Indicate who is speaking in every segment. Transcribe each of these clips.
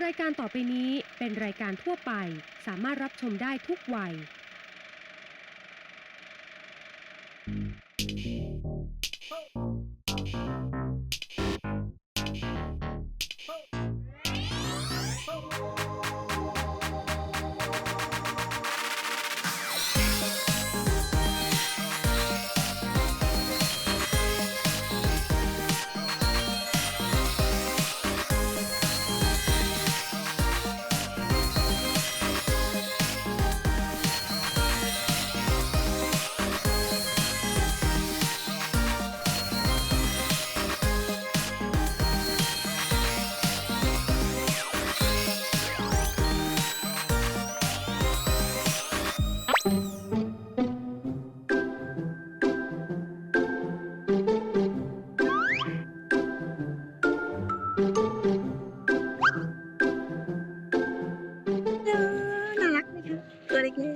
Speaker 1: รายการต่อไปนี้เป็นรายการทั่วไปสามารถรับชมได้ทุกวัย
Speaker 2: น่ารักไหมคะตัวเล็กๆ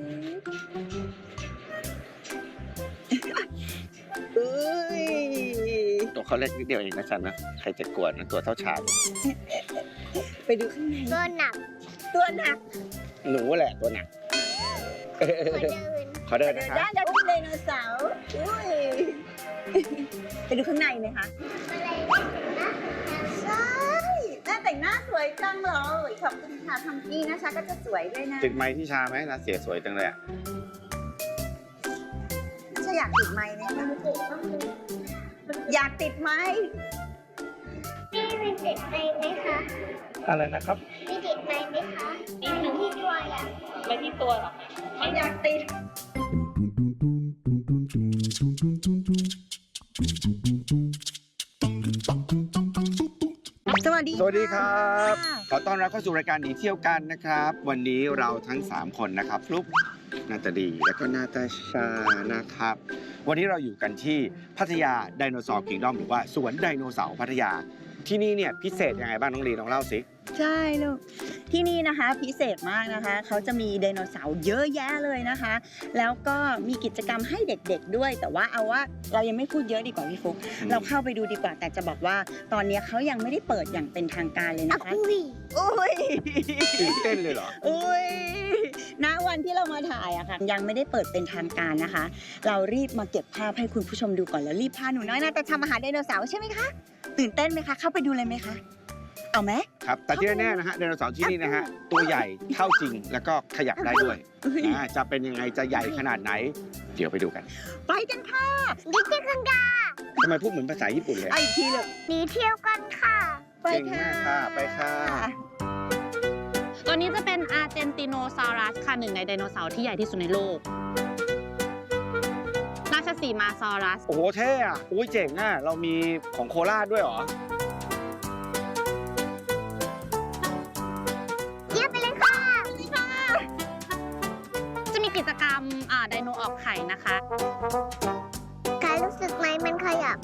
Speaker 3: ตัวเขาเล็กนิดเดียวเองนะจันนะใครจะกวนนะตัวเท่าฉาก
Speaker 2: ไปดูข้างใน
Speaker 4: ตัวหนัก
Speaker 2: ตัวหนัก
Speaker 3: หนูแหละตัวหนัก
Speaker 4: ขอเดิน
Speaker 3: ขอเดิน
Speaker 2: เดิ
Speaker 3: นะ
Speaker 2: น
Speaker 3: คะ
Speaker 2: ได้แล้วที่ไดโนเสาร์อุ้ยไปดูข้างในไหมคะ
Speaker 4: อะไรนะ
Speaker 2: ใช่หน้าแต่งหน้าสวยจังเลยขอบคุณค่ะทำกี้นะคะก็จะสวยด้วยนะ
Speaker 3: ติดไม้ที่ชาไหมนะเสียสวยจังเลยอะ
Speaker 2: ถ้าอยากติดไม้ไหมคะอยากติดไม้
Speaker 4: พี่มีติดไม้ไหมคะ
Speaker 3: อะไรนะครับ
Speaker 4: มีติดไม้ไหมคะมีที่ตัวอ่ะ
Speaker 2: ไม่ที่ตัวหรอกไม่อยากติดสวัสดี
Speaker 3: สวัสดีครับ ขอต้อนรับเข้าสู่รายการหนีเที่ยวกันนะครับ วันนี้เราทั้ง 3 คนนะครับฟลุ๊กนาตาดีและก็นาตาชานะครับ วันนี้เราอยู่กันที่พัทยาไดโนเสาร์คิงดอมหรือว่าสวนไดโนเสาร์พัทยาที่นี่เนี่ยพิเศษยังไงบ้างน้องลีน้องเล่าสิ
Speaker 2: ใช่ลูกที่นี่นะคะพิเศษมากนะคะเขาจะมีไดโนเสาร์เยอะแยะเลยนะคะ แล้วก็มีกิจกรรมให้เด็กๆด้วย แต่ว่าเอาว่าเรายังไม่พูดเยอะดีกว่าพี่ฟุ๊กเราเข้าไปดูดีกว่าแต่จะบอกว่าตอนนี้เขายังไม่ได้เปิดอย่างเป็นทางการเลยนะคะ
Speaker 4: อุ้ย
Speaker 2: อุ้ย
Speaker 3: ตื่นเต้นเลยเหรอ
Speaker 2: อุ้ยณวันที่เรามาถ่ายอะค่ะยังไม่ได้เปิดเป็นทางการนะคะ เรารีบมาเก็บภาพให้คุณผู้ชมดูก่อนแล้วรีบพาหนูน้อยนะแต่ทำอาหารไดโนเสาร์ใช่ไหมคะตื่นเต้นไหมคะเข้าไปดูเลยไหมคะเอาไหม
Speaker 3: ครับแต่ที่แน่ๆนะฮะไดโนเสาร์ที่นี่นะฮะตัวใหญ่เท่าจริงแล้วก็ขยับได้ด้วยจะเป็นยังไงจะใหญ่ขนาดไหน เดี๋ยวไปดูกัน
Speaker 2: ไปกันค่ะ
Speaker 4: ดิจิทัลกา
Speaker 3: ทำไมพูดเหมือนภาษาญี่ปุ่นเลย
Speaker 2: เอาอีกทีเลย
Speaker 4: หนีเที่ยวกันค่ะ
Speaker 2: ไป
Speaker 3: เก่ง
Speaker 2: ค่ะ
Speaker 3: มากค่ะไปค่ะ
Speaker 5: ตัวนี้จะเป็นอาร์เจนติโนซารัสค่ะหนึ่งในไดโนเสาร์ที่ใหญ่ที่สุดในโลก ราชสีมาซอรัส
Speaker 3: โอ้โหเท่อะอุ้ยเจ๋งอะเรามีของโคราชด้วยเหรอ
Speaker 4: เยี่ยมไปเลยค่ะ
Speaker 5: จะมีกิจกรรมไดโนออกไข่นะคะ
Speaker 4: การรู้สึกไหมมันขยับ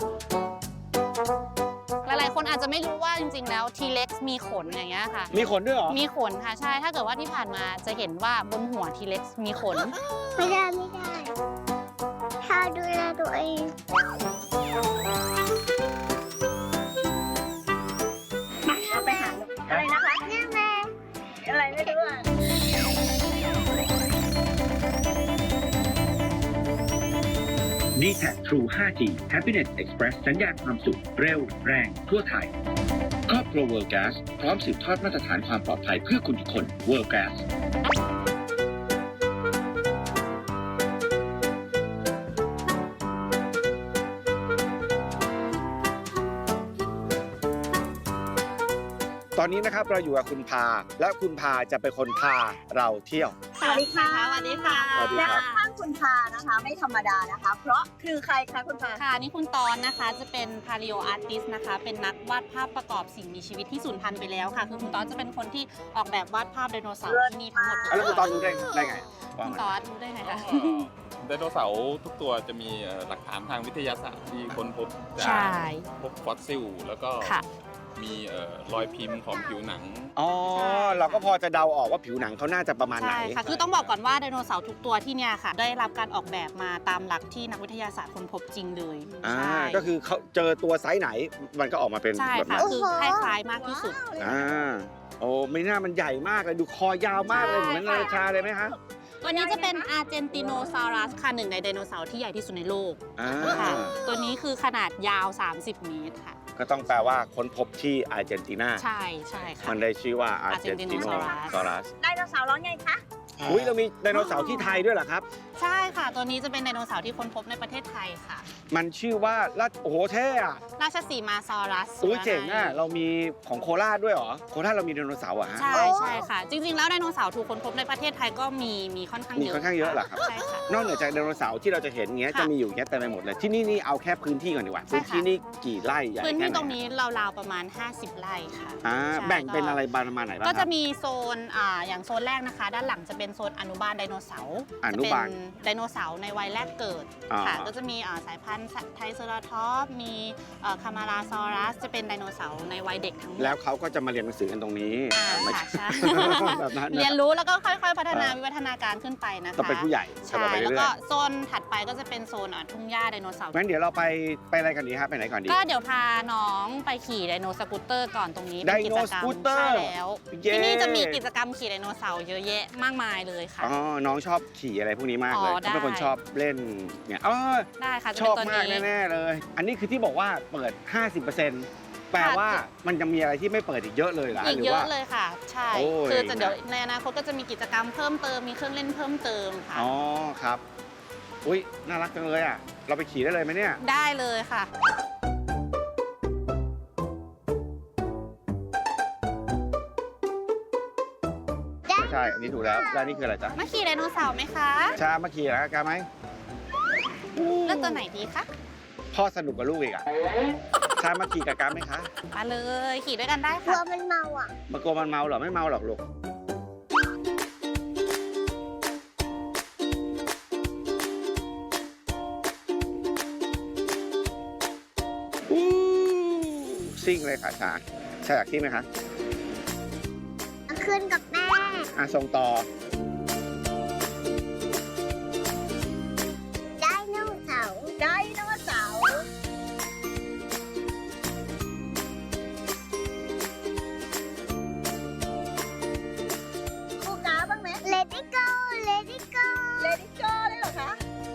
Speaker 5: หลายๆ คนอาจจะไม่รู้ว่าจริงๆ แล้วทีเล็กมีขนอย่างเงี้ยค่ะ
Speaker 3: มีขนด้วยเหรอ
Speaker 5: มีขนค่ะใช่ ถ้าเกิดว่าที่ผ่านมาจะเห็นว่าบนหัวทีเล็กมีขน
Speaker 4: ไม่ได้ถ้าดูแลตัวเอง
Speaker 2: เราไปหาอะไรนะคะ
Speaker 4: นี่แม่
Speaker 2: อะไรไม่รู้อ่ะ
Speaker 6: d t a c True 5G Happiness Express สัญญาณความสุขเร็วแรงทั่วไทย ครอบครัว World Gas พร้อมสืบทอดมาตรฐานความปลอดภัยเพื่อคุณทุกคน World Gas
Speaker 3: ตอนนี้นะครับเราอยู่กับคุณพา และคุณพาจะเป็นคนพาเราเที่ยว
Speaker 2: สวัสดีค่ะ
Speaker 5: สวัสดีค่ะ
Speaker 3: สวัสดี
Speaker 2: และ
Speaker 3: ครับ
Speaker 2: ข้างคุณพานะคะไม่ธรรมดานะคะ เพราะคือใครคะคุณพา
Speaker 5: ค่ะนี่คุณตอนนะคะจะเป็นพา l ิโออาร์ติสนะคะ เป็นนักวาดภาพประกอบสิ่งมีชีวิตที่สูญพันธุ์ไปแล้วค่ะ คือคุณตอนจะเป็นคนที่ออกแบบวาดภาพไดโนเสาร์ที่นี่ทั้งหมด
Speaker 3: แล้วคุณตอนรู้ได้ไงว่า
Speaker 5: คุณ
Speaker 3: มัน
Speaker 5: ตอนรู้ได้ไงคะ
Speaker 7: ไดโนเสาร์ทุกตัวจะมีหลักฐานทางวิทยาศาสตร์ที่ค้นพบจา
Speaker 5: ใช่
Speaker 7: กพบฟอสซิล แล้วก็
Speaker 5: ค่ะ
Speaker 7: มีรอยพิมพ์ของผิวหนัง
Speaker 3: อ๋อเราก็พอจะเดาออกว่าผิวหนังเขาน่าจะประมาณไหน
Speaker 5: ใช่ค่ะ คือต้องบอกก่อนว่าไดโนเสาร์ทุกตัวที่เนี่ยค่ะ ได้รับการออกแบบมาตามหลักที่นักวิทยาศาสตร์ค้นพบจริงเลย
Speaker 3: อ่า
Speaker 5: ใช่
Speaker 3: ก็คือเขาเจอตัวไซส์ไหนมันก็ออกมาเป็น
Speaker 5: ใช่
Speaker 3: แบบ
Speaker 5: ค่ะ
Speaker 3: นั้น
Speaker 5: คือคล้ายๆมากที่สุด
Speaker 3: อ่าโอ้ไม่น่ามันใหญ่มากเลยดูคอยาวมากเลยเหมือนนาฬิกาเลยไหมคะ
Speaker 5: ตัวนี้จะเป็นอาร์เจนติโนซารัสค่ะหนึ่งในไดโนเสาร์ที่ใหญ่ที่สุดในโลก
Speaker 3: อ่า
Speaker 5: ค่ะ ตัวนี้คือขนาดยาว 30 เมตรค่ะ
Speaker 3: ก็ต้องแปลว่าค้นพบที่อาร์เจนตินา
Speaker 5: ใช่ใช่ค่ะ
Speaker 3: มันได้ชื่อว่าอาร์เจนติโนซารัส
Speaker 2: ไดโนเสาร์ร้องไงคะ
Speaker 3: อุ้ยเรามีไดโนเสาร์ที่ไทยด้วยเหรอครับ
Speaker 5: ใช่ค่ะ ตัวนี้จะเป็นไดโนเสาร์ที่ค้นพบในประเทศไทยค่ะ
Speaker 3: มันชื่อว่าโอ้โหเท่อะ
Speaker 5: ราชสีมาซอรัส
Speaker 3: อุ้ยเจ๋งอะเรามีของโคราชด้วยเหรอโคราชเรามีไดโนเสาร์อะฮะ
Speaker 5: ใช่ใช่ค่ะ จริงๆ แล้วไดโนเสาร์ถูกค้นพบในประเทศไทยก็มีค่อนข้างเยอะ
Speaker 3: มีค่อนข้างเยอะเหรอครับ
Speaker 5: ใช่ค่ะ
Speaker 3: นอกเหนือจากไดโนเสาร์ที่เราจะเห็นเงี้ย
Speaker 5: ค่ะ
Speaker 3: จะมีอยู่แค่เต็มไปหมดเลยที่นี่เอาแค่พื้นที่ก่อนดีกว่า
Speaker 5: ใช่
Speaker 3: พื้น
Speaker 5: ค่ะ
Speaker 3: ที่นี่กี่ไร่ใหญ่
Speaker 5: พื้น
Speaker 3: แค่
Speaker 5: ที่
Speaker 3: ไหน
Speaker 5: ตรงนี้ราวๆประมาณ 50 ไร่ค่ะ
Speaker 3: อ่า
Speaker 5: ใช่
Speaker 3: แบ่งเป็น
Speaker 5: ก็
Speaker 3: อะไรประมาณไหนบ้าง
Speaker 5: ก็
Speaker 3: ค
Speaker 5: จะ
Speaker 3: รับ
Speaker 5: มีโซนอย่างโซนแรกนะคะ ด้านหลังจะเป็นโซนอนุบาลไดโนเสาร์
Speaker 3: อนุบาล
Speaker 5: จะเป็นไดโนเสาร์ในวัยแรกเกิด
Speaker 3: อ่า
Speaker 5: ค่ะ ก็จะมีสายพันธุ์ไทรเซราทอปส์มีคามาราซอรัสจะเป็นไดโนเสาร์ในวัยเด็กทั้งหมด
Speaker 3: แล้วเขาก็จะมาเรียนหนังสือกันตรงนี้
Speaker 5: ค่ะ
Speaker 3: ใช่
Speaker 5: ใช่
Speaker 3: แบบนั้นนะ
Speaker 5: เรียนรู้แล้วก็ค่อยๆ พัฒนาวิวัฒนาการขึ้นไปนะคะ
Speaker 3: ก็เป็นผู้ใหญ่
Speaker 5: ใช่
Speaker 3: ต่อไป
Speaker 5: แล้ว
Speaker 3: เรื่
Speaker 5: ก็
Speaker 3: อย
Speaker 5: โซนถัดไปก็จะเป็นโซนทุ่งหญ้าไดโนเสาร์
Speaker 3: ๆงั้นเดี๋ยวเราไปอะไรกันดีครับไปไหนก่อนดี
Speaker 5: ก็เดี๋ยวพาน้องไปขี่ไดโนสกูตเตอร์ก่อนตรงนี้
Speaker 3: ได
Speaker 5: เป็น
Speaker 3: โน
Speaker 5: กิจกรรม
Speaker 3: สกูตเตอร์
Speaker 5: ใช่แล้ว
Speaker 3: เย้
Speaker 5: ที่นี่จะมีกิจกรรมขี่ไดโนเสาร์เยอะแยะมากมายเลยค่ะ
Speaker 3: อ๋อน้องชอบขี่อะไรพวกนี้มากเลย
Speaker 5: อ๋อ
Speaker 3: เขาเป็นคน
Speaker 5: ได้
Speaker 3: ชอบเล่นเนี่ยอ๋อ
Speaker 5: ได้ค่ะจะ
Speaker 3: ช
Speaker 5: เป็
Speaker 3: อน บ
Speaker 5: ตัว
Speaker 3: มาก
Speaker 5: นี้
Speaker 3: แน่ๆเลย อันนี้คือที่บอกว่าเปิด 50%แปลว่ามันจะมีอะไรที่ไม่เปิดอีกเยอะเลยเหรอ
Speaker 5: อีก
Speaker 3: หรื
Speaker 5: เย
Speaker 3: ว่า
Speaker 5: อะเลยค่ะ ใช่
Speaker 3: โอ้ย
Speaker 5: คือจะเดี๋ยวในอนาคตก็จะมีกิจกรรมเพิ่มเติมมีเครื่องเล่นเพิ่มเติมค่ะ
Speaker 3: อ๋อครับอุ้ยน่ารักจังเลยอ่ะเราไปขี่ได้เลยไหมเนี่ย
Speaker 5: ได้เลยค่ะ
Speaker 3: ไม่ใช่อันนี้ถูกแล้วแล้วนี่คืออะไรจ๊ะ
Speaker 5: มาขี่ไดโนเสาร์ไหมคะ
Speaker 3: ชามาขี่แล้วกันไหม
Speaker 5: เลือกตัวไหนดีคะ
Speaker 3: พ่อสนุกกับลูกอีกอ่ะชามาขี่กับกันไหมคะ
Speaker 5: มาเลยขี่ด้วยกันได้
Speaker 4: กลัว
Speaker 5: ค่ะ
Speaker 4: มันเมาอ่ะ
Speaker 3: มากลัวมันเมาเหรอไม่เมาหรอกลูกอู้ซิ่งเลยค่ะชาอยากซิ่งไหมคะ
Speaker 4: ขึ้นกับแม่
Speaker 3: อ่ะส่งต่อ
Speaker 4: ไดโนเสาร์
Speaker 2: ไดโนเสาร์คู่กาบ้างไหม
Speaker 4: Let it go Let it go
Speaker 2: เลดี้โจได้เหรอคะ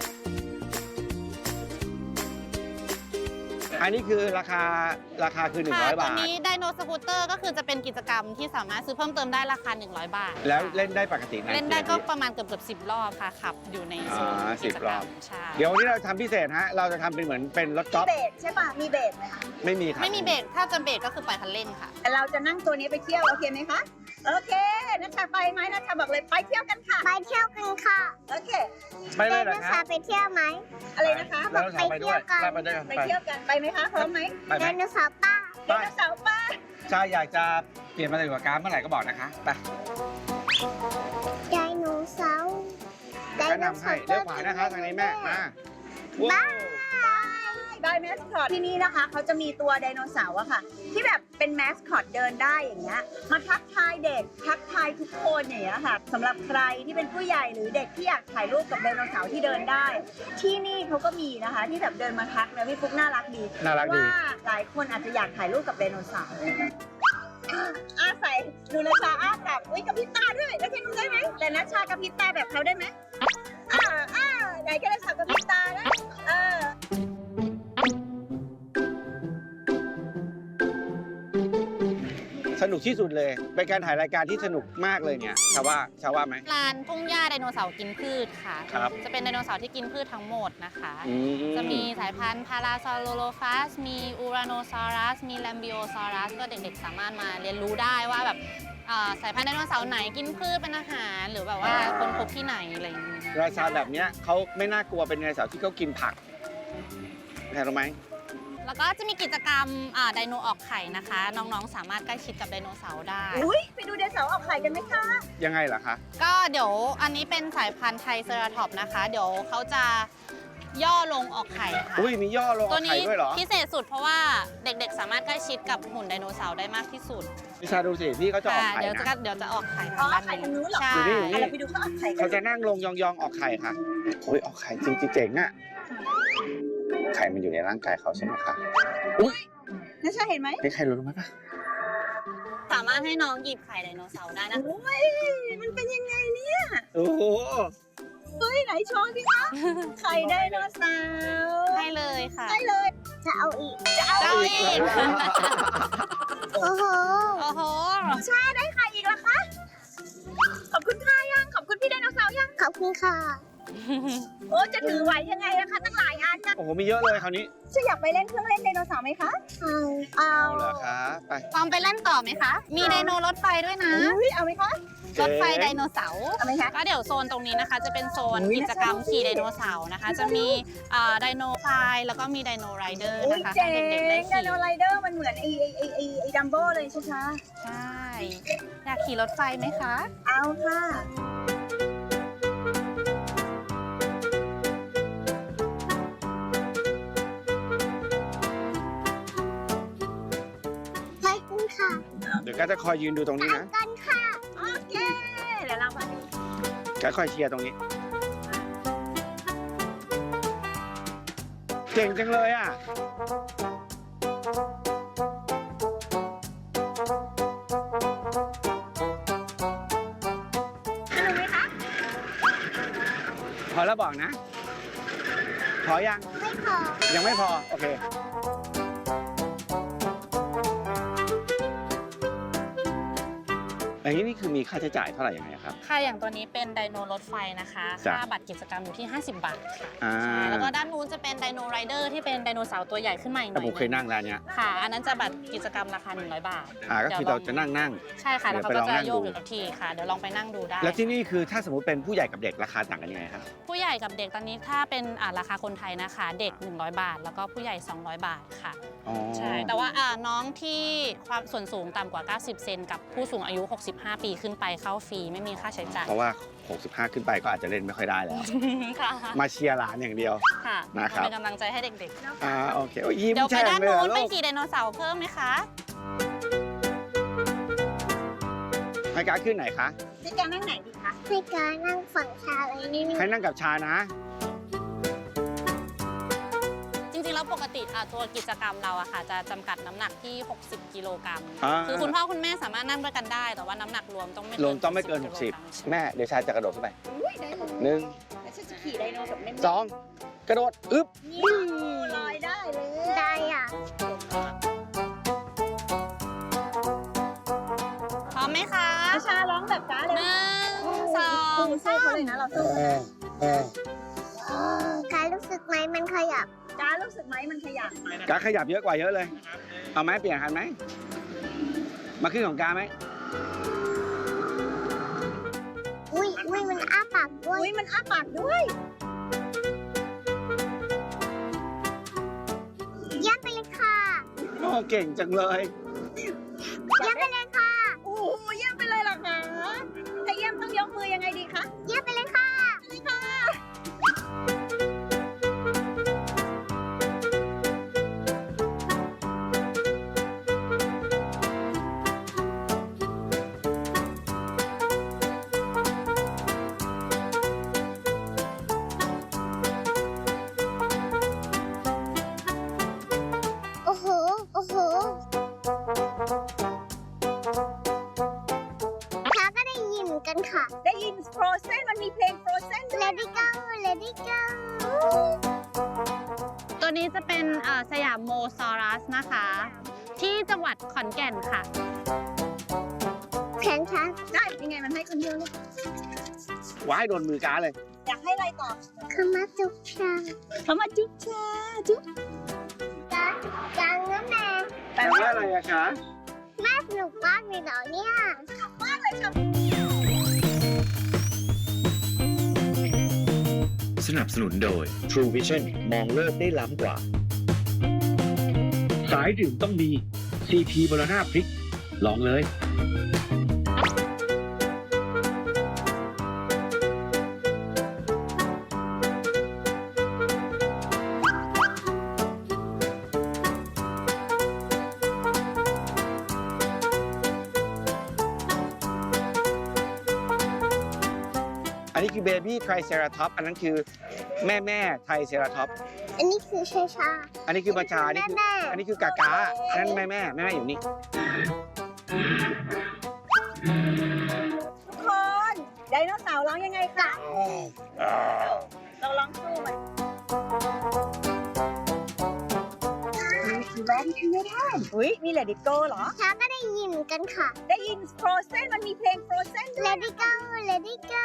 Speaker 3: อันนี้คือราคาคือ
Speaker 5: ค่ะ
Speaker 3: 100
Speaker 5: ตัว
Speaker 3: บาท
Speaker 5: นี้ไดโนสกูตเตอร์ก็คือจะเป็นกิจกรรมที่สามารถซื้อเพิ่มเติมได้ราคา 100 บาท
Speaker 3: แล้ว
Speaker 5: ค่ะ
Speaker 3: เล่นได้ปกตินะ
Speaker 5: เล่นได้ก็
Speaker 3: กี่าที
Speaker 5: ประมาณเกือบ10 รอบค่ะขับอยู่ในโซน
Speaker 3: อ่า
Speaker 5: กิจ
Speaker 3: 10
Speaker 5: ก
Speaker 3: ร
Speaker 5: ร
Speaker 3: อ
Speaker 5: ร
Speaker 3: บ
Speaker 5: มใช่
Speaker 3: เดี๋ยววันนี้เราทำพิเศษฮะ เราจะทำเป็นเหมือนเป็นรถกอล์ฟ
Speaker 2: เบรกใช่ป่ะ มีเบรกไหมคะ
Speaker 3: ไม่มีครับ
Speaker 5: ไม่มีเบรกถ้าจะเบรกก็คือปล่อยคันเร่งค่ะ
Speaker 2: แต่เราจะนั่งตัวนี้ไปเที่ยว โอเคไหมคะ โอเคนัชชาไปไหมนัชชาบอกเลยไปเที่ยวกันค่ะ
Speaker 4: ไปเที่ยวกันค่ะ
Speaker 2: โอเค
Speaker 3: ไปเลยเหรอ
Speaker 4: ไดโน
Speaker 3: ค
Speaker 4: เสา
Speaker 3: รับ
Speaker 4: ร์ไปเที่ยวไหม
Speaker 2: อะไรนะคะ
Speaker 3: แล้วเราทำไปด้วยไปด้วยกัน
Speaker 2: ไปเที่ยวกัน ไปไหมคะ พร้อมไหม
Speaker 3: ไปไห
Speaker 4: ได
Speaker 3: ม
Speaker 4: โนเสาร์ป้า
Speaker 2: ไดโนเสาร์ป้า
Speaker 3: ชาอยากจะเปลี่ยนมาเป็นกว่าการเมื่อไหร่ก็บอกนะคะ ไป
Speaker 4: ไดโนเสาร์ได
Speaker 3: แนะ
Speaker 4: โน
Speaker 3: นำ
Speaker 4: เสา
Speaker 3: ให้
Speaker 4: ร์
Speaker 3: เลี้ยวขวานะคะทางนี้แม่มาว้าว
Speaker 2: ได้แมสคอตที่นี่นะคะเขาจะมีตัวไดโนเสาร์อะค่ะ ที่แบบเป็นแมสคอตเดินได้อย่างเงี้ยมาทักทายเด็กทักทายทุกคนอย่างเงี้ยค่ะสำหรับใครที่เป็นผู้ใหญ่หรือเด็กที่อยากถ่ายรูปกับไดโนเสาร์ที่เดินได้ ที่นี่เขาก็มีนะคะ ที่แบบเดินมาทักนะพี่ฟุ๊กน่ารักดี
Speaker 3: น่ารักดี
Speaker 2: ว่าหลายคนอาจจะอยากถ่ายรูปกับไดโนเสาร์อาใส่ดูนาชาอ้ากับอุ้ยกับพริบตาด้วยแล้วจะดูได้ไหมแต่นาชากับพริบตาแบบเขาได้ไหมไหนก็นาชากับพริบตานะ
Speaker 3: สนุกที่สุดเลย เป็นการถ่ายรายการที่สนุกมากเลยเนี่ยชาว่าไหม
Speaker 5: ลานทุ่งหญ้าไดโนเสาร์กินพืชค่ะ
Speaker 3: ครับ
Speaker 5: จะเป็นไดโนเสาร์ที่กินพืชทั้งหมดนะคะ
Speaker 3: อื
Speaker 5: จะมีสายพันธุ์พาราซอโลโลฟัส มีอูราโนซอรัส มีแลมบิโอซอรัส ก็เด็กๆสามารถมาเรียนรู้ได้ว่าแบบสายพันธุ์ไดโนเสาร์ไหนกินพืชเป็นอาหาร หรือแบบว่าคนพบที่ไหนอะไรอย่างเงี้ย
Speaker 3: ราชาแบบเนี้ยเขาไม่น่ากลัวเป็นไดโนเสาร์ที่เขากินผักแค่รู้ไหม
Speaker 5: แล้วก็จะมีกิจกรรมไดโนออกไข่นะคะ น้องๆสามารถใกล้ชิดกับไดโนเสาร์ได้
Speaker 2: อุ้ยไปดูไดโนเสาร์ออกไข่กันไหมคะ
Speaker 3: ยังไงล่ะคะ
Speaker 5: ก็เดี๋ยวอันนี้เป็นสายพันธุ์ไทรเซราทอปส์นะคะ เดี๋ยวเขาจะย่อลงออกไข่ค่ะ
Speaker 3: อุ้ยมีย่อลง
Speaker 5: ตัว
Speaker 3: ไข่
Speaker 5: นี้
Speaker 3: ด้วยเหรอ
Speaker 5: พิเศษสุดเพราะว่าเด็กๆ สามารถใกล้ชิดกับหุ่นไดโนเสาร์ได้มากที่สุด
Speaker 3: พิชาดูสิพี่เขาจะออก
Speaker 5: ค่ะ
Speaker 3: ไข่
Speaker 5: เดี๋ยว
Speaker 3: นะ
Speaker 5: จะออกไข่
Speaker 2: อ๋อ
Speaker 5: ทางด้าน
Speaker 2: ไข่ทางนู้นเหรอ
Speaker 5: ใช่
Speaker 3: อยู่นี่อยู่นี่
Speaker 2: เราไปดูเขาออกไข่กั
Speaker 3: เขา
Speaker 2: น
Speaker 3: จะนั่งลงยองๆออกไข่ค่ะโอ้ยออกไข่จริงๆเจ๋งอะไข่มันอยู่ในร่างกายเขาใช่ไหมคะอุ้ย
Speaker 2: นาชาเห็นไหม
Speaker 3: นี่ใครรู้ไหมปะ
Speaker 5: สามารถารถให้น้องหยิบไข่ไดโนเสาร์ได้นะ
Speaker 2: โอ้ยมันเป็นยังไงเนี่ย
Speaker 3: โอ้โห
Speaker 2: เฮ้ยไหนโชว์สิคะไข่ไดโนเสาร์
Speaker 5: ให้เลยค่ะ
Speaker 2: ได้เลย
Speaker 4: จะเอาอีก
Speaker 5: เจ้าอีก
Speaker 4: โอ้โห
Speaker 5: โอ้โห
Speaker 2: ชาได้ไข่อีกแล้วคะขอบคุณค่ะยังขอบคุณพี่ไดโนเสาร์ยัง
Speaker 4: ขอบคุณค่ะ
Speaker 2: โอ้จะถือไหวยังไงนะคะตั้งหลายอันนะ
Speaker 3: โอ้โห มีเยอะเลยคราวนี้
Speaker 2: จะอยากไปเล่นเครื่องเล่นไดโนเสาร์ไหมคะ เอา
Speaker 3: เอาเหรอคะไป
Speaker 5: ลองไปเล่นต่อไหมคะ มีไดโนรถไฟด้วยนะ
Speaker 2: อุ้ยเอาไหมคะ
Speaker 5: รถไฟไดโนเสาร์
Speaker 2: เอาไหมคะ
Speaker 5: ก็เดี๋ยวโซนตรงนี้นะคะ จะเป็นโซน
Speaker 2: อุ๊ย
Speaker 5: กิจกรรมขี่ไดโนเสาร์นะคะ จะมีไดโนไฟแล้วก็มีไดโนไรเดอร์
Speaker 2: อุ้ย
Speaker 5: นะคะ
Speaker 2: เจ๋
Speaker 5: ให้
Speaker 2: ง
Speaker 5: เด็กๆได้
Speaker 2: ได
Speaker 5: ขี่
Speaker 2: โนไรเดอร์มันเหมือนไอ้ดัมโบ้เลยใช่ไหมคะ
Speaker 5: ใช่ อยากขี่รถไฟไหมคะ
Speaker 2: เอาค่ะ
Speaker 4: ขอบคุณค่ะ
Speaker 3: เดี๋ยวก็จะคอยยืนดูตรงนี้นะ
Speaker 4: กันค่ะ
Speaker 2: โอเค เดี๋ยวเรามาดู
Speaker 3: ก็คอยเชียร์ตรงนี้ เก่งจังเลยอ่ะ
Speaker 2: สนุกไหมคะ
Speaker 3: พอแล้วบอกนะ พอยัง
Speaker 4: ไม่พอ
Speaker 3: ยังไม่พอ โอเค อย่างนี้นี่คือมีค่าใช้จ่ายเท่าไหร่ยังไงครับ
Speaker 5: ค่ะ อย่างตัวนี้เป็นไดโนรถไฟนะคะ
Speaker 3: จ้ะ
Speaker 5: ค่าบัตรกิจกรรมอยู่ที่ 50 บาทค่ะ
Speaker 3: อ่า
Speaker 5: ใช่แล้วก็ด้านนู้นจะเป็นไดโนไรเดอร์ที่เป็นไดโนเสาร์ตัวใหญ่ขึ้นมาอีกห
Speaker 3: แต่
Speaker 5: น่อย
Speaker 3: ผมเคยนั่งร้านเนี้ย
Speaker 5: ค่ะ อันนั้นจะบัตรกิจกรรมราคา 100 บาท
Speaker 3: ก็คือเราจะนั่ง
Speaker 5: ใช่ค่ะ แล้วเขา
Speaker 3: เดี๋
Speaker 5: ก็
Speaker 3: ยวไปลองนั่ง
Speaker 5: จะโยก
Speaker 3: ดู
Speaker 5: อยู่กับที่ค่ะ เดี๋ยวลองไปนั่งดูได้
Speaker 3: แล้วที่นี่คือถ้าสมมติเป็นผู้ใหญ่กับเด็กราคาต่างกันยังไงครับ
Speaker 5: ผู้ใหญ่กับเด็กตอนนี้ถ้าเป็นราคาคนไทยนะคะ เด็ก 100 บาท แล้วก็ผู้ใหญ่ 200 บาทค่ะ
Speaker 3: อ๋อ
Speaker 5: ใช่ แต่ว่าน้องที่ความส่วนสูงต่ำกว่า 90 เซนกับผู้สูงอายุ 65 ปีขึ้นไปเข้าฟรีไม่มีค่าใช้จ่าย
Speaker 3: เพราะว่า 65 ขึ้นไปก็อาจจะเล่นไม่ค่อยได้แล้ว
Speaker 5: ค่ะ
Speaker 3: มาเชียร์หลานอย่างเดียว
Speaker 5: ค่ะ
Speaker 3: นะครับ
Speaker 5: เป็นกำลังใจให้เด็ก
Speaker 3: โอเคโอ้ยยิ้
Speaker 5: ๆ
Speaker 3: ม
Speaker 5: เดี๋ยวไป
Speaker 3: แฉ่ง
Speaker 5: ด้าน
Speaker 3: เลย
Speaker 5: นู้
Speaker 3: อะ
Speaker 5: น
Speaker 3: ลู
Speaker 5: ไป
Speaker 3: ก
Speaker 5: ขี่ไดโนเสาร์เพิ่มไหมคะ
Speaker 3: ให้การขึ้นไหนคะ
Speaker 2: พี่การนั่งไหนดีคะ
Speaker 4: ให้การนั่งฝั่งชาเลยนี่
Speaker 3: ให้นั่งกับชานะ
Speaker 5: จริงๆ แล้วปกติตัวกิจกรรมเราอะค่ะจะจำกัดน้ำหนักที่ 60 กิโลกรัม คือคุณพ่อคุณแม่สามารถนั่งด้วยกันได้ แต่ว่าน้ำหนักรวมต้องไม่
Speaker 3: รวมต้องไม่เกิน
Speaker 5: กิโลรัม
Speaker 3: 60 แม่เดี๋ยวชาจะกระโดดขึ้นไป
Speaker 2: อุ้ยได้เลย
Speaker 3: หนึ่ง
Speaker 2: แล้วฉันจะขี่ไดโนแบบเน้น
Speaker 3: สองกระโดดอึ๊บ
Speaker 2: ๆลอยได้เลย
Speaker 4: ได้อ่ะ
Speaker 5: พร้อมไหมคะ
Speaker 2: อาชาร้องแบบจ้าเลย
Speaker 5: 1 2
Speaker 2: สู้เขาเลยนะเราสู้
Speaker 4: การรู้สึกไหมมันขยับ
Speaker 2: จ้ารู้สึกไหมมันขยับ
Speaker 3: กาขยับเยอะกว่าเยอะเลย เอาไหมเปลี่ยนคันไหม มาขึ้นของกาไหม
Speaker 4: อุ้ยมันอ้าปากด้วย
Speaker 2: อุ้ยมันอ้าปากด้วย
Speaker 4: เยี่ยมไปเลยค่ะ
Speaker 3: โอ้เก่งจังเลย
Speaker 4: เยี่ยมไปเลยค่ะ
Speaker 2: โอ้โหเยี่ยมไปเลยเหรอคะถ้าเยี่ยมต้องยกมือยังไงดีคะ
Speaker 4: เยี่ยมไปเลยค่ะ
Speaker 2: นี่ค่ะ
Speaker 4: โอ้โห โอ้โหช้าก็ได้ยินเหมือนกันค่ะ
Speaker 2: ได้ยิน Frozen มันมีเพลง Frozen ด้วย
Speaker 4: Let it go Let it go
Speaker 5: ตัวนี้จะเป็นสยามโมซอรัสนะคะ ที่จังหวัดขอนแก่นค่ะ
Speaker 4: แขนช้า
Speaker 2: ได้ยังไงมันให้คนเดียวเลย
Speaker 3: ว้ายโดนมือกาเลย
Speaker 2: อยากให้อะไรต่อ
Speaker 4: ขมาจุกชา
Speaker 2: เขามาจุ๊บชาจุ๊บ
Speaker 4: จังนะแม่
Speaker 3: แปลว่าอะไรอะคะ
Speaker 4: แม่สนุกมากเลยเหรอเนี่ย
Speaker 2: มากเลยค่ะ
Speaker 6: สนับสนุนโดย True Vision มองโลกได้ล้ำกว่า สายดื่มต้องมี CP บรณาพริก ลองเลย
Speaker 3: อันนี้คือเบบี้ไทรเซราท็อปอันนั้นคือแม่ไทรเซราท็อป
Speaker 4: อันนี้คือชาชา
Speaker 3: อันนี้คือบัญชาอันนี้คือ
Speaker 4: แม่
Speaker 3: อันนี้คือกากาอันนั้นแม่อยู่นี่
Speaker 2: เราลองสู้มันแรงขึ้นไม่ได้อุ้ยมี Let It Go เหรอ
Speaker 4: ช้าก็ได้ยินกันค่ะ
Speaker 2: ได้ยิน Frozen มันมีเพลง Frozen ด้วย
Speaker 4: Let it go Let it go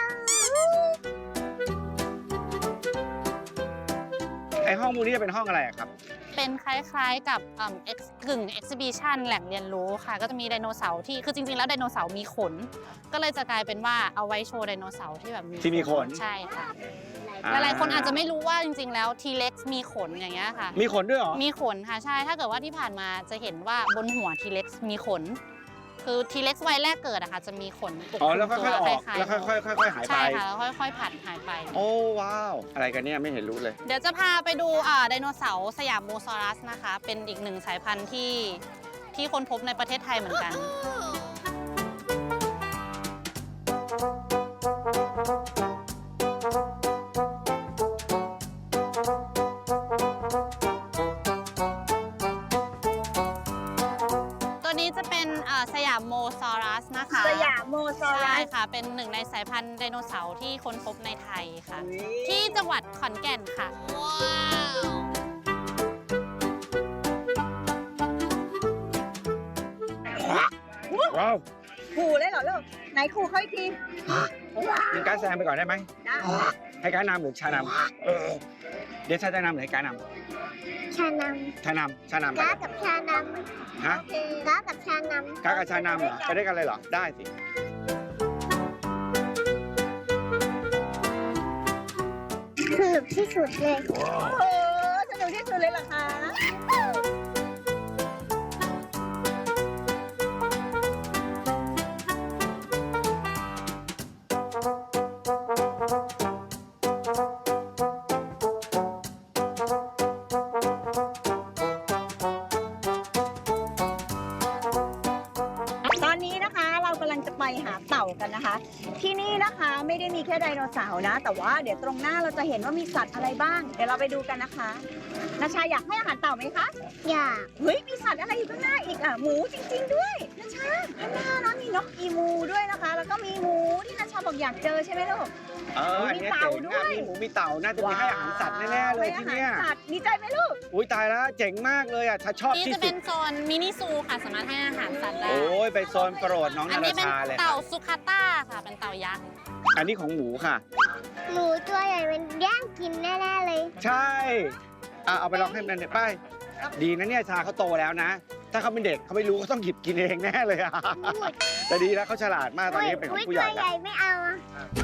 Speaker 3: ไอห้องมูนี่จะเป็นห้องอะไรอะครับ
Speaker 5: เป็นคล้ายๆกับกึ่ง exhibition แหล่งเรียนรู้ค่ะ ก็จะมีไดโนเสาร์ที่คือจริงๆแล้วไดโนเสาร์มีขน ก็เลยจะกลายเป็นว่าเอาไว้โชว์ไดโนเสาร์ที่แบบ
Speaker 3: ที่มีขน
Speaker 5: ใช่ค่ะหลายๆคนอาจจะไม่รู้ว่าจริงๆแล้ว T-Rex มีขนอย่างเงี้ยค่ะ
Speaker 3: มีขนด้วยเหรอ
Speaker 5: มีขนค่ะใช่ถ้าเกิดว่าที่ผ่านมาจะเห็นว่าบนหัว T-Rex มีขน คือ T-Rex วัยแรกเกิดอะค่ะจะมีขนปกค
Speaker 3: อ๋อ
Speaker 5: ลุ
Speaker 3: แล้ว
Speaker 5: ม
Speaker 3: ค่
Speaker 5: ตั
Speaker 3: อยวๆออก
Speaker 5: คล้ายๆ
Speaker 3: แล้วค่อยๆหายไป
Speaker 5: ใช่ค่ะแล้วค่อยๆผัดหายไป
Speaker 3: โอ้ว้าว อะไรกันเนี่ยไม่เห็นรู้เลย
Speaker 5: เดี๋ยวจะพาไปดูไดโนเสาร์สยามโมซอรัสนะคะ เป็นอีกหนึ่งสายพันธุ์ที่ค้นพบในประเทศไทยเหมือนกัน ตัวนี้จะเป็นสยามโมซอรัสนะคะ
Speaker 2: สยามโมซอรั
Speaker 5: ใช่
Speaker 2: ส
Speaker 5: ค่ะ เป็นหนึ่งในสายพันธุ์ไดโนเสาร์ที่ค้นพบในไทยค่ะ
Speaker 2: อุ๊ย
Speaker 5: ที่จังหวัดขอนแก่นค่ะ
Speaker 3: ว้าว
Speaker 2: ขู่เลยเหรอลูกไหนขู่เขาอีกที
Speaker 3: มีการแซงไปก่อนได้ไหม
Speaker 2: ได้
Speaker 3: ให้การนำหรือชานำเดี๋ยวชาจะนำหรือให้การน
Speaker 4: ชาน
Speaker 3: ำชานำ
Speaker 4: ำ
Speaker 3: ไป
Speaker 4: ก้ากับชาน
Speaker 3: ฮะ
Speaker 4: ำก้ากับชาน
Speaker 3: ก้ากับชานำเหรอ ไปด้วยกันเลยเหรอ ได้สิ
Speaker 4: ำสนุกที่สุดเลย
Speaker 2: โอ้โหสนุกที่สุดเลยเหรอคะ ตอนนี้นะคะเรากำลังจะไปหาเต่ากันนะคะ ที่นี่นะคะไม่ได้มีแค่ไดโนเสาร์นะ แต่ว่าเดี๋ยวตรงหน้าเราจะเห็นว่ามีสัตว์อะไรบ้าง เดี๋ยวเราไปดูกันนะคะนาชาอยากให้อาหารเต่าไหมคะ
Speaker 4: อยาก
Speaker 2: เฮ้ยมีสัตว์อะไรอยู่ข้างหน้าอีกอ่ะหมูจริง ๆ ด้วยนาชาข้างหน้านะมีนกอีมูด้วยนะคะ แล้วก็มีหมูที่นาชาบอกอยากเจอใช่ไหมลูก
Speaker 3: อันนี้เจ๋งอะมีหมูมีเต่า น่าจะมีให้อาหารสัตว์แน่ๆเลยที่เนี่ย
Speaker 2: ให้อาหารสัตว์ดีใจไหมลูก
Speaker 3: อุ้ยตายแล้วเจ๋งมากเลยอ่ะชาชอบ
Speaker 5: นี่
Speaker 3: ที่
Speaker 5: จะ
Speaker 3: สุ
Speaker 5: เป็
Speaker 3: ด
Speaker 5: นโซนมินิซูค่ะ สามารถให้อาหารสัตว์ได้
Speaker 3: โอ้ยไปโซนโปรดน้อง
Speaker 5: อั
Speaker 3: นารา
Speaker 5: นี้เป็น
Speaker 3: ชาเลย
Speaker 5: เต่าสุคาต้าค่ะ เป็นเต่ายักษ์
Speaker 3: อันนี้ของหมูค่ะ
Speaker 4: หมูตัวใหญ่มันแย่งกินแน่ๆเลย
Speaker 3: ใช่เอาไปลองให้มันไปดีนะเนี่ยชาเขาโตแล้วนะ ถ้าเขาเป็นเด็กเขาไม่รู้เขาต้องหยิบกินเองแน่เลยอะแต่ดีแล้วเขาฉลาดมากตอนนี้เป็นของผู้ใหญ่
Speaker 4: ตัวให
Speaker 3: แล้ว
Speaker 4: ญ่ไม่เอาอะ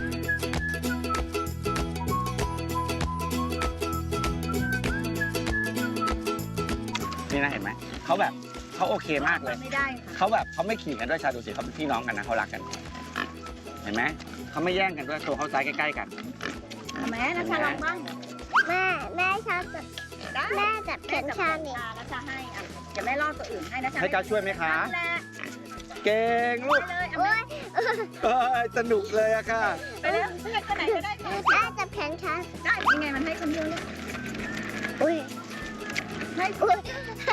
Speaker 3: นี่นะเห็นไหมเขาแบบเขาโอเคมากเลย
Speaker 2: ไม่ได้ค่ะ
Speaker 3: เขาแบบเขาไม่ขี่กันด้วยชาดูสิเขาเป็นพี่น้องกันนะเขารักกัน เห็นไหมเขาไม่แย่งกันด้วยตัวเขาซ้ายใกล้ๆกัน
Speaker 2: แม่นาชาลองบ้าง
Speaker 4: แม่ชอบจับ
Speaker 2: ได้
Speaker 4: แม่จับแขนชานี่
Speaker 2: นาชาให้อ่ะเดี๋ยวแม่ล่อตัวอื่นให้นาชา
Speaker 3: ให้การช่วยไหมคะ
Speaker 2: นั่นแหละ
Speaker 3: เก่งลูก
Speaker 2: ไปเลยเอา
Speaker 4: โอ้
Speaker 2: แม่
Speaker 4: ย
Speaker 3: สนุกเลยอะค่ะ
Speaker 2: ไปเลยให้คนไหนก็ได้ค่ะ
Speaker 4: แม่จับแขนชา
Speaker 2: ได้ยังไงมันให้คนเดียวเลย
Speaker 4: อุ้ย
Speaker 2: ให้
Speaker 4: อุ้ย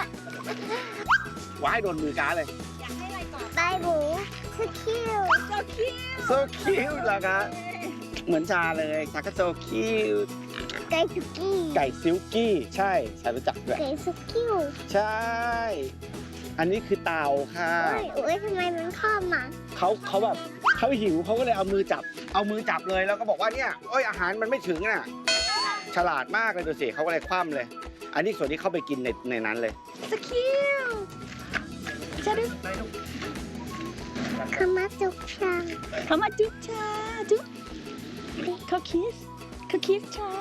Speaker 3: ว่าให้โดนมือการเลย
Speaker 2: อยากให้อะไรก่อน
Speaker 4: ใบหมูสคิว
Speaker 2: โซคิว
Speaker 3: so cute เหรอคะเหมือนชาเลยชาก็ so cute
Speaker 4: ไก่สุกี้
Speaker 3: ไก่ซิลกี้ใช่ชารู้จักด้วย
Speaker 4: ไก่สุกิ้ว
Speaker 3: ใช่ อันนี้คือเต่าค่ะ
Speaker 4: อุ้ยทำไมมันข้อมา
Speaker 3: เขาแบบเขาหิวเขาก็เลยเอามือจับเลยแล้วก็บอกว่าเนี่ยโอ้ยอาหารมันไม่ถึงน่ะฉลาดมากเลยดูสิเขาก็เลยคว่ำเลย อันนี้ส่วนที่เข้าไปกินในนั้นเลย
Speaker 2: สคิวจะได้
Speaker 4: ขมาจุกชัง
Speaker 2: เขามาจุ๊บชาจุ๊บเขาคิสชา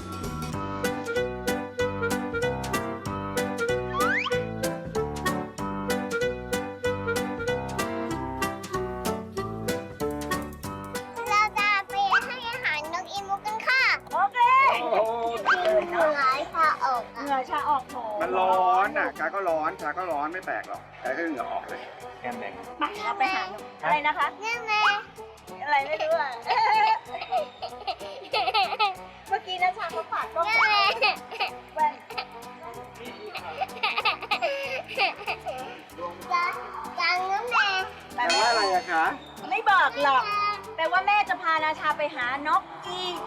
Speaker 4: เราจะไปให้อาหารนกอีมูกันค่ะ
Speaker 2: โอเค
Speaker 4: เหงื่อชาออก
Speaker 2: เหงื่อชาออกโถ
Speaker 3: มันร้อนอ่ะชาก็ร้อนไม่แปลกหรอกแต่ก็เหงื่อออกเลยแก้มแดง
Speaker 2: มาเราไปหาอะไรนะคะ
Speaker 4: นี่แม่
Speaker 2: อะไรไม่รู้อ่ะ เมื่อกี้นะชาเขาฝากกล้อง
Speaker 4: นี่
Speaker 2: ไว้
Speaker 4: แม่
Speaker 2: แว่น
Speaker 4: จังน้ำแม่
Speaker 2: แปล
Speaker 3: แปล
Speaker 2: ว่า
Speaker 3: ว่าอะไรอะคะ
Speaker 2: ไม่บอกหรอก แปลแต่ว่าแม่จะพานาชาไปหานกอีก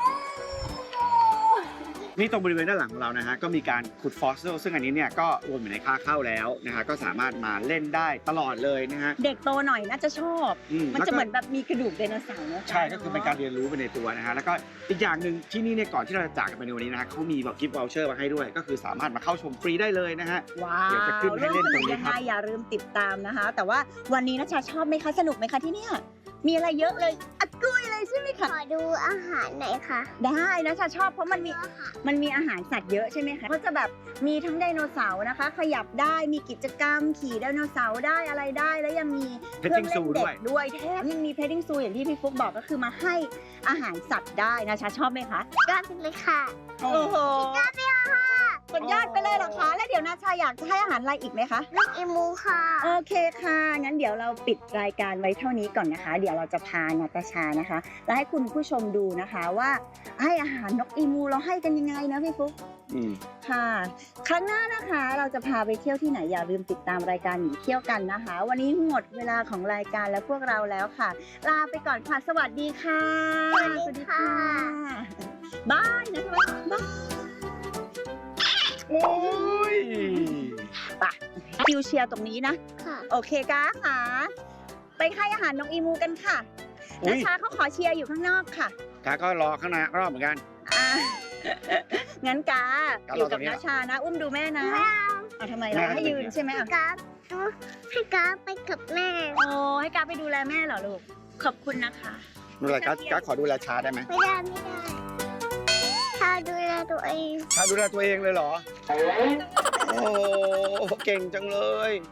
Speaker 3: นี่ตรงบริเวณด้านหลังของเรานะฮะก็มีการขุดฟอสซิลซึ่งอันนี้เนี่ยก็รวมอยู่ในค่าเข้าแล้วนะฮะก็สามารถมาเล่นได้ตลอดเลยนะฮะ
Speaker 2: เด็กโตหน่อยน่าจะชอบ มันจะเหมือนแบบมีกระดูกไดโนเสาร์นะ
Speaker 3: ใช่ก็คือเป็นการเรียนรู้ไปในตัวนะฮะแล้วก็อีกอย่างหนึ่งที่นี่เนี่ยก่อนที่เราจะจากกันไปในวันนี้นะฮะเขามีแบบกิฟต์วอลเชอร์มาให้ด้วยก็คือสามารถมาเข้าชมฟรีได้เลยนะฮะ
Speaker 2: ว้าว
Speaker 3: เดี๋ยวจะขึ้นให้เล่นตรงนี้ครับ
Speaker 2: อย่าลืมติดตามนะคะ แต่ว่าวันนี้นาชาชอบไหมคะสนุกไหมคะที่เนี่ยมีอะไรเยอะเลยอัดกุ้ยเลยใช่ไหม
Speaker 4: ข
Speaker 2: คะ
Speaker 4: อดูอาหารหน่อยค่ะ
Speaker 2: ได้นะชาชอบเพราะมันมีอาหารสัตว์เยอะใช่ไหมคะก็จะแบบมีทั้งไดโนเสาร์นะคะ ขยับได้มีกิจกรรมขี่ไดโนเสาร์ได้อะไรได้แล้วยังมีเครื่องเล่นเด็กด้วยแถมยังมีเพดดิ้งซูอย่างที่พี่ฟุ๊กบอกก็คือมาให้อาหารสัตว์ได้นะชาชอบไหมคะ
Speaker 4: ก็เป็นเลยค่ะ
Speaker 2: โอ้โหสุดยอดไปเลยเหรอคะแล้วเดี๋ยวนาชาอยากจะให้อาหารอะไรอีกไหมคะ
Speaker 4: ลูกอีมูค่ะ
Speaker 2: โอเคค่ะ งั้นเดี๋ยวเราปิดรายการไว้เท่านี้ก่อนนะคะ เดี๋ยวเราจะพานาตาชานะคะ และให้คุณผู้ชมดูนะคะว่าให้อาหารนกอีมูเราให้กันยังไงนะพี่ฟุ๊ก ค่ะ ครั้งหน้านะคะเราจะพาไปเที่ยวที่ไหนอย่าลืมติดตามรายการหนีเที่ยวกันนะคะ วันนี้หมดเวลาของรายการและพวกเราแล้วค่ะ ลาไปก่อนค่ะ สวัสดีค่ะ
Speaker 4: สวัสดีค่ะ
Speaker 2: บายนะคะบาย
Speaker 3: โอ้ย
Speaker 2: ไปคิวเชียร์ตรงนี้นะ
Speaker 4: ค่ะ
Speaker 2: โอเคก้าค่ะ ไปให้อาหารนกอีมูกันค่ะ
Speaker 3: อุ๊
Speaker 2: นาย ชาเขาขอเชียร์อยู่ข้างนอกค่ะ
Speaker 3: กาก็รอข้างในรอบเหมือนกัน
Speaker 2: อ่ะ งั้นกา
Speaker 3: กา
Speaker 2: อยู่กับ
Speaker 3: รอตรงนี้
Speaker 2: นาชานะ อุ้มดูแม่นะ
Speaker 4: ไม่เอา
Speaker 2: เอาทำไม
Speaker 3: แม่
Speaker 2: เรา
Speaker 3: ให้
Speaker 2: ให้ยืน
Speaker 3: ยืน
Speaker 2: ใช่ไหม
Speaker 4: ให้
Speaker 2: อ่ะ
Speaker 4: กราฟให้กราฟไปกับแม่
Speaker 2: โอ้ให้กาไปดูแลแม่เหรอลูก ขอบคุณนะคะ
Speaker 3: ดูแลกาขอดูแลชาได้ไหม
Speaker 4: ไม่ได้ถ้าดูแลตัวเอง
Speaker 3: ชาดูแลตัวเองเลยเหรอ โอ้เก่งจังเลย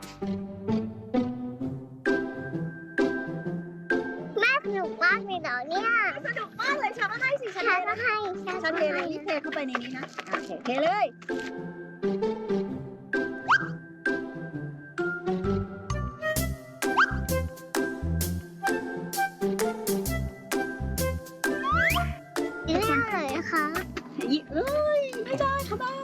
Speaker 4: แม่สนุกมากเลยเหรอเนี่ย
Speaker 2: สนุกมากเลยชาก็ให้สิชา
Speaker 4: ชา
Speaker 2: เท
Speaker 4: ก็
Speaker 2: นะ
Speaker 4: ให้
Speaker 2: ชาเทเลยนี่เทเข้าไปในนี้นะโอเคเทเลย
Speaker 4: ไม่อร่อยนะคะ
Speaker 2: ยิเอ้ยไม่ได้ค่ะบ้า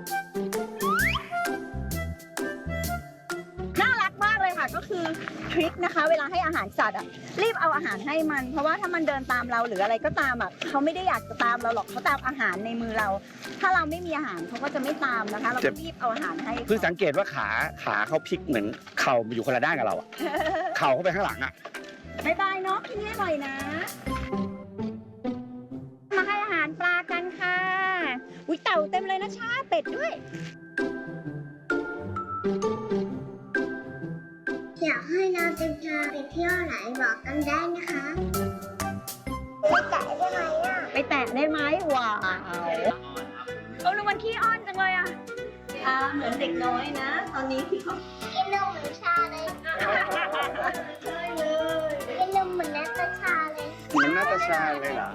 Speaker 2: น่ารักมากเลยค่ะก็คือทริคนะคะ เวลาให้อาหารสัตว์อ่ะรีบเอาอาหารให้มัน เพราะว่าถ้ามันเดินตามเราหรืออะไรก็ตามอ่ะเขาไม่ได้อยากจะตามเราหรอกเขาตามอาหารในมือเรา ถ้าเราไม่มีอาหารเขาก็จะไม่ตามนะคะ เราก็รีบเอาอาหารให้
Speaker 3: เพิ่งสังเกตว่าขาเขาพลิกเหมือนเข่าอยู่คนละด้านกับเราอะ เข่าเขาไปข้างหลังอะ
Speaker 2: บายบายเนาะที่นี่อร่อยนะ มาให้อาหารปลากันค่ะอุ้ยเต่าเต็มเลยนะชาเป็ดด้วย
Speaker 4: อยากให้เราจะพาไปเที่ยวไหนบอกกันได้นะคะไปแตะได้ไหมอ่ะ
Speaker 2: ไปแตะได้ไหมว้าวเอาลูกมันขี้อ้อนจังเลยอ่ะเหมือนเด็กน้อยนะ ตอนนี้เขา
Speaker 4: กินนมเหมือนชาเลย
Speaker 2: ใช่เลย
Speaker 4: กินนมเหมือนนัตชาเลย
Speaker 3: เหมือนนาตาชาเลยเหรอ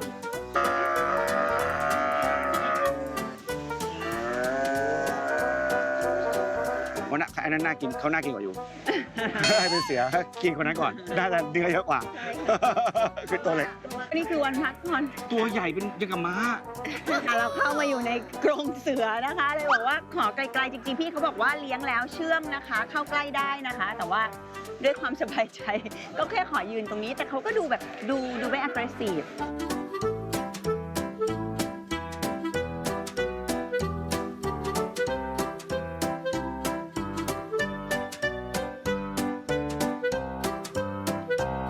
Speaker 3: วันนั้นอันนั้นน่ากินเขาน่ากินกว่าอยู่ ให้เป็นเสือกินคนนั้นก่อน น่าจะเนื้อเยอะกว่า คือตัวเล็ก
Speaker 2: นี่คือวันพักผ่อน
Speaker 3: ตัวใหญ่เป็นยังกับม้า
Speaker 2: เราเข้ามาอยู่ในกรงเสือนะคะเลยบอกว่าขอไกลๆจริงๆพี่เขาบอกว่าเลี้ยงแล้วเชื่องนะคะ เข้าใกล้ได้นะคะ แต่ว่าด้วยความสบายใจ ก็แค่ขอยืนตรงนี้ แต่เขาก็ดูแบบดูไม่ aggressive